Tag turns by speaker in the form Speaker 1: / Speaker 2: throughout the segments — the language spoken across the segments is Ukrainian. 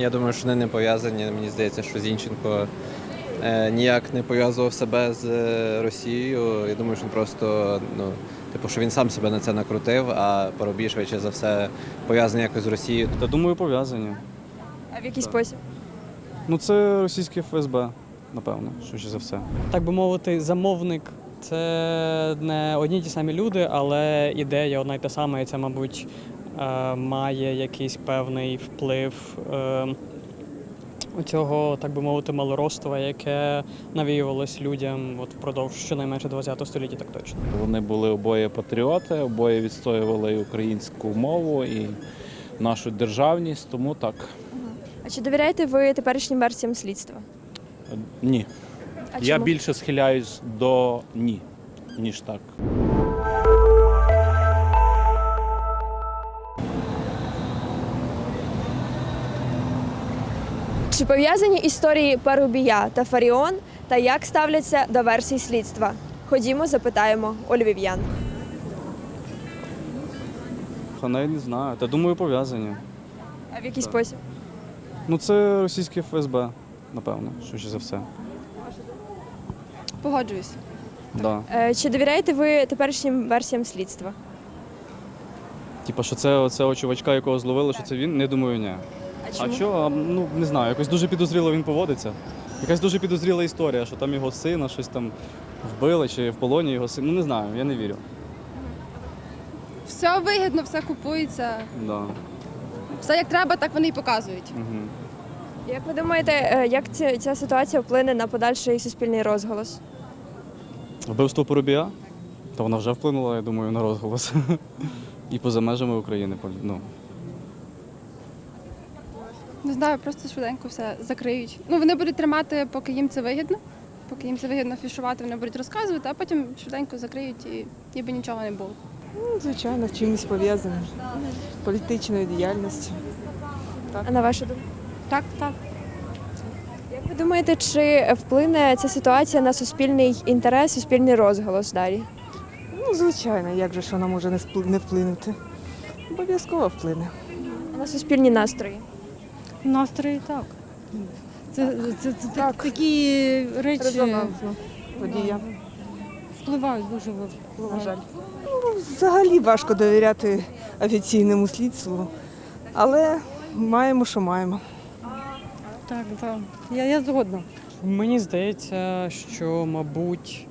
Speaker 1: Я думаю, що вони не пов'язані. Мені здається, що Зінченко ніяк не пов'язував себе з Росією. Я думаю, що він просто, що він сам себе на це накрутив, а Парубій, швидше за все, пов'язаний якось з Росією.
Speaker 2: Та думаю, пов'язані.
Speaker 3: А в який спосіб?
Speaker 2: Ну це російське ФСБ, напевно, швидше за все.
Speaker 4: Так би мовити, замовник це не одні й ті самі люди, але ідея одна й та сама, і це, мабуть, має якийсь певний вплив у цього, так би мовити, малороства, яке навіювалось людям впродовж щонайменше ХХ століття, так точно.
Speaker 5: Вони були обоє патріоти, обоє відстоювали і українську мову, і нашу державність, тому так.
Speaker 3: А чи довіряєте ви теперішнім версіям слідства?
Speaker 5: Ні.
Speaker 3: А
Speaker 5: Я
Speaker 3: чому?
Speaker 5: більше схиляюсь до ні, ніж так.
Speaker 3: Чи пов'язані історії Парубія та Фаріон та як ставляться до версій слідства? Ходімо, запитаємо у львів'ян.
Speaker 2: Навіть не знаю. Та думаю, пов'язані.
Speaker 3: А в який спосіб?
Speaker 2: Ну це російське ФСБ, напевно, швидше за все.
Speaker 6: Погоджуюсь.
Speaker 2: Да.
Speaker 3: Чи довіряєте ви теперішнім версіям слідства?
Speaker 2: Типа, що це оцього чувачка, якого зловили, що це він? Не думаю, ні. А що? Ну, не знаю, якось дуже підозріло він поводиться. Якась дуже підозріла історія, що там його сина щось там вбили, чи в полоні його син. Ну не знаю, я не вірю.
Speaker 6: Все вигідно, все купується.
Speaker 2: Да.
Speaker 6: Все як треба, так вони і показують.
Speaker 2: Угу.
Speaker 3: Як ви думаєте, як ця ситуація вплине на подальший суспільний розголос?
Speaker 2: Вбивство Парубія? Та вона вже вплинула, я думаю, на розголос. І поза межами України. Ну.
Speaker 6: Не знаю, просто швиденько все закриють. Ну, вони будуть тримати, поки їм це вигідно. Поки їм це вигідно афішувати, вони будуть розказувати, а потім швиденько закриють і ніби нічого не було.
Speaker 7: Ну, звичайно, чимось пов'язане. Політичною діяльністю.
Speaker 3: А на вашу думку?
Speaker 6: Так, так.
Speaker 3: Як ви думаєте, чи вплине ця ситуація на суспільний інтерес, суспільний розголос далі?
Speaker 7: Ну, звичайно, як же ж вона може не вплинути? Обов'язково вплине.
Speaker 3: А на суспільні настрої?
Speaker 8: Настрої так. Це
Speaker 7: Так.
Speaker 8: такі речі
Speaker 7: Резонансно подія.
Speaker 8: впливають дуже
Speaker 7: На жаль. Ну, взагалі важко довіряти офіційному слідству, але маємо, що маємо.
Speaker 8: Так, так. Я згодна.
Speaker 4: Мені здається, що, мабуть,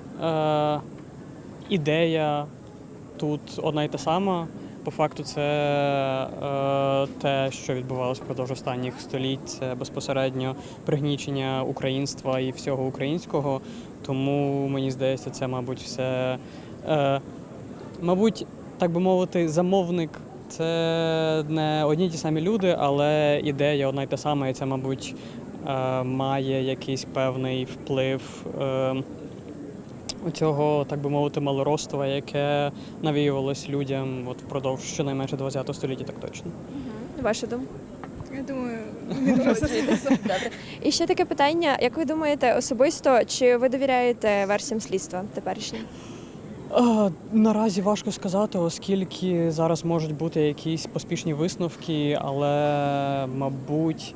Speaker 4: ідея тут одна й та сама. По факту це те, що відбувалося впродовж останніх століть, це безпосередньо пригнічення українства і всього українського. Тому, мені здається, це, мабуть, все, мабуть, так би мовити, замовник це не одні й ті самі люди, але ідея одна й та сама, і це, мабуть, має якийсь певний вплив у цього, так би мовити, малороства, яке навіювалось людям впродовж щонайменше ХХ століття, так точно.
Speaker 3: Ваша думка?
Speaker 6: Я думаю,
Speaker 3: Добре. І ще таке питання. Як ви думаєте особисто, чи ви довіряєте версіям слідства теперішнім?
Speaker 4: Наразі важко сказати, оскільки зараз можуть бути якісь поспішні висновки, але, мабуть,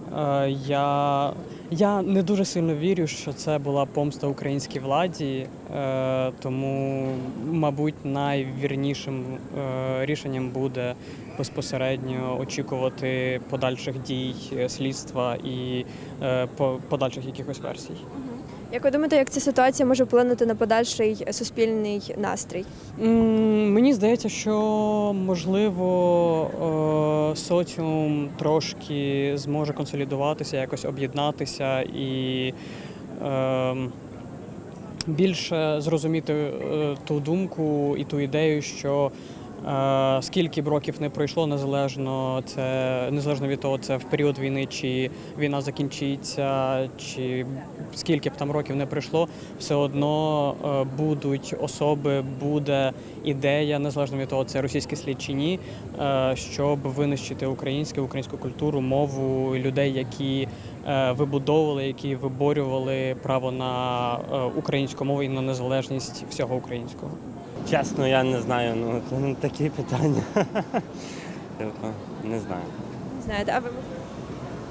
Speaker 4: я не дуже сильно вірю, що це була помста українській владі, тому, мабуть, найвірнішим рішенням буде безпосередньо очікувати подальших дій слідства і подальших якихось версій.
Speaker 3: Як ви думаєте, як ця ситуація може вплинути на подальший суспільний настрій?
Speaker 4: Мені здається, що, можливо, соціум трошки зможе консолідуватися, якось об'єднатися і більше зрозуміти ту думку і ту ідею, що скільки б років не пройшло, незалежно від того, це в період війни, чи війна закінчиться, чи скільки б там років не пройшло, все одно будуть особи, буде ідея, незалежно від того, це російський слід чи ні, щоб винищити українську культуру, мову, людей, які вибудовували, які виборювали право на українську мову і на незалежність всього українського.
Speaker 9: Чесно, я не знаю, такі питання. Не знаю.
Speaker 3: Знаєте, а ви?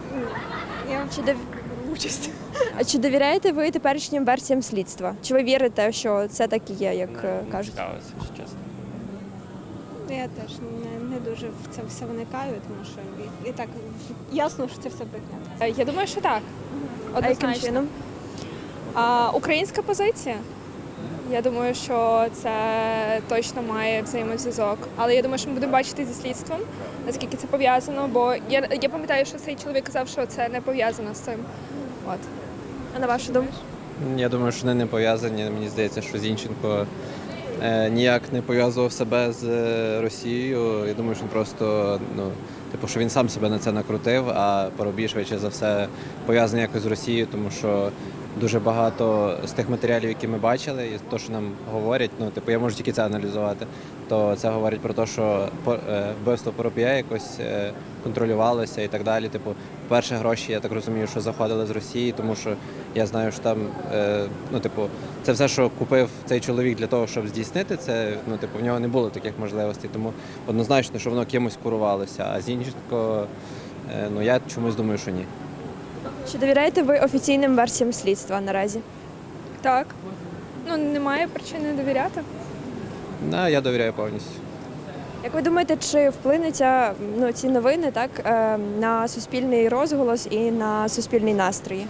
Speaker 3: Я чи беру участь. А чи довіряєте ви теперішнім версіям слідства? Чи ви вірите, що це так і є, як кажуть?
Speaker 9: Цікавиться, якщо чесно.
Speaker 10: Я теж не дуже в це все вникаю, тому що і так ясно, що це все брехня.
Speaker 6: Я думаю, що так.
Speaker 3: А яким чином?
Speaker 6: Українська позиція. Я думаю, що це точно має взаємозв'язок. Але я думаю, що ми будемо бачити зі слідством, наскільки це пов'язано, бо я пам'ятаю, що цей чоловік казав, що це не пов'язано з цим. От.
Speaker 3: А на вашу думку?
Speaker 1: Я думаю, що вони не пов'язані. Мені здається, що Зінченко ніяк не пов'язував себе з Росією. Я думаю, що він просто, що він сам себе на це накрутив, а Парубій, швидше за все, пов'язаний якось з Росією, тому що дуже багато з тих матеріалів, які ми бачили, і те, що нам говорять, я можу тільки це аналізувати, то це говорить про те, що вбивство Парубія якось контролювалося і так далі. Перші гроші, я так розумію, що заходили з Росії, тому що я знаю, що там, це все, що купив цей чоловік для того, щоб здійснити це, в нього не було таких можливостей, тому однозначно, що воно кимось курувалося, а Зінченко, я чомусь думаю, що ні.
Speaker 3: Чи довіряєте ви офіційним версіям слідства наразі?
Speaker 6: Так. Немає причини довіряти.
Speaker 1: Я довіряю повністю.
Speaker 3: Як ви думаєте, чи вплине ці новини на суспільний розголос і на суспільний настрій?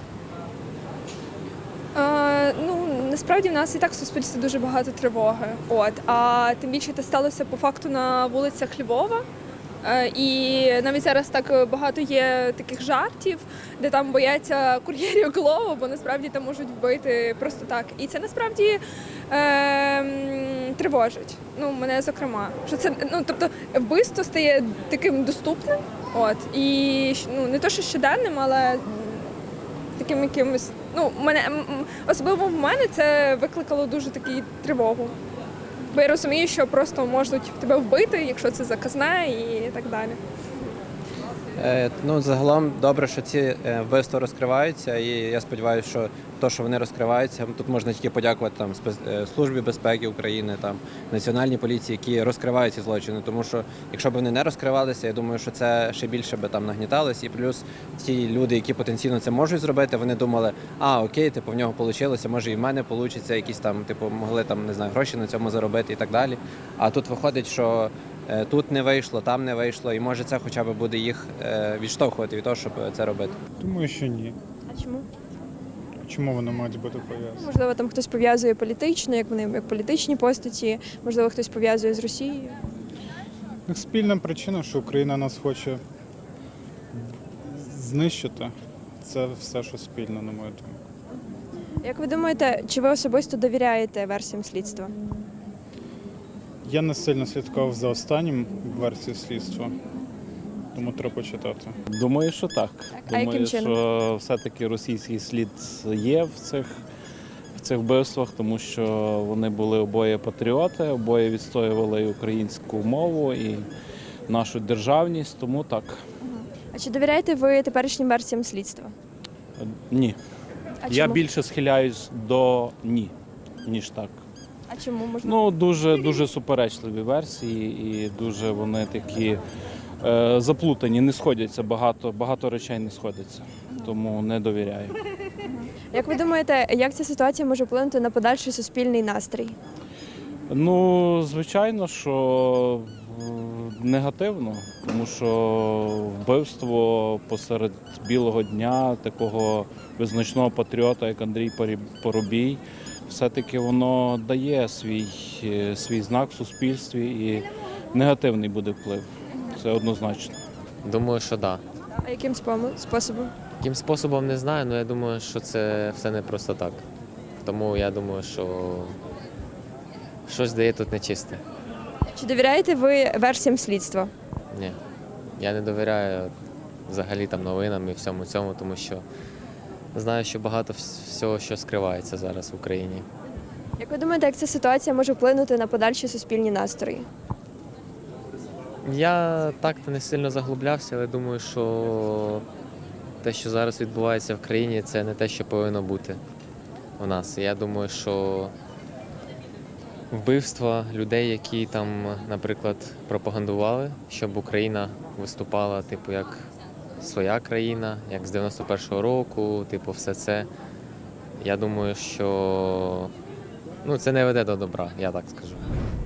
Speaker 6: Насправді в нас і так в суспільстві дуже багато тривоги. А тим більше це сталося по факту на вулицях Львова. І навіть зараз так багато є таких жартів, де там бояться кур'єрів Глово, бо насправді там можуть вбити просто так. І це насправді тривожить. Мене зокрема. Що це, вбивство стає таким доступним. І не то, що щоденним, але таким якимось. Особливо в мене це викликало дуже таку тривогу. Бо я розумію, що просто можуть тебе вбити, якщо це заказне і так далі.
Speaker 1: Загалом добре, що ці вбивства розкриваються, і я сподіваюся, що те, що вони розкриваються, тут можна тільки подякувати Службі безпеки України, Національній поліції, які розкривають ці злочини. Тому що якщо б вони не розкривалися, я думаю, що це ще більше би нагніталось. І плюс ті люди, які потенційно це можуть зробити, вони думали, окей, в нього вийшло, може і в мене вийде, якісь могли гроші на цьому заробити і так далі. А тут виходить, що тут не вийшло, там не вийшло, і може це хоча б буде їх відштовхувати від того, щоб це робити.
Speaker 11: Думаю, що ні.
Speaker 3: А чому?
Speaker 11: Чому вони мають бути пов'язані?
Speaker 3: Можливо, там хтось пов'язує політично, як вони як політичні постаті, можливо, хтось пов'язує з Росією.
Speaker 11: Спільна причина, що Україна нас хоче знищити. Це все, що спільно, на мою думку.
Speaker 3: Як ви думаєте, чи ви особисто довіряєте версіям слідства?
Speaker 11: Я не сильно слідкував за останнім версією слідства, тому треба почитати.
Speaker 5: Думаю, що так.
Speaker 3: А яким
Speaker 5: Думаю,
Speaker 3: чином?
Speaker 5: що все-таки російський слід є в цих вбивствах, тому що вони були обоє патріоти, обоє відстоювали і українську мову, і нашу державність, тому так.
Speaker 3: А чи довіряєте ви теперішнім версіям слідства?
Speaker 5: Ні.
Speaker 3: А
Speaker 5: Я
Speaker 3: чому?
Speaker 5: більше схиляюсь до ні, ніж так.
Speaker 3: А чому можна?
Speaker 5: Дуже суперечливі версії і дуже вони такі заплутані, не сходяться, багато речей не сходяться, тому не довіряю.
Speaker 3: Як ви думаєте, як ця ситуація може вплинути на подальший суспільний настрій?
Speaker 5: Звичайно, що негативно, тому що вбивство посеред білого дня такого визначного патріота, як Андрій Парубій, все-таки воно дає свій знак в суспільстві і негативний буде вплив. Це однозначно.
Speaker 9: Думаю, що так.
Speaker 3: А яким способом?
Speaker 9: Яким способом не знаю, але я думаю, що це все не просто так. Тому я думаю, що щось дає тут нечисте.
Speaker 3: Чи довіряєте ви версіям слідства?
Speaker 9: Ні. Я не довіряю взагалі новинам і всьому цьому, тому що знаю, що багато всього, що скривається зараз в Україні.
Speaker 3: Як ви думаєте, як ця ситуація може вплинути на подальші суспільні настрої?
Speaker 9: Я так-то не сильно заглублявся, але думаю, що те, що зараз відбувається в країні, це не те, що повинно бути у нас. Я думаю, що вбивства людей, які там, наприклад, пропагандували, щоб Україна виступала, як своя країна, як з 91-го року, типу, все це. Я думаю, що це не веде до добра, я так скажу.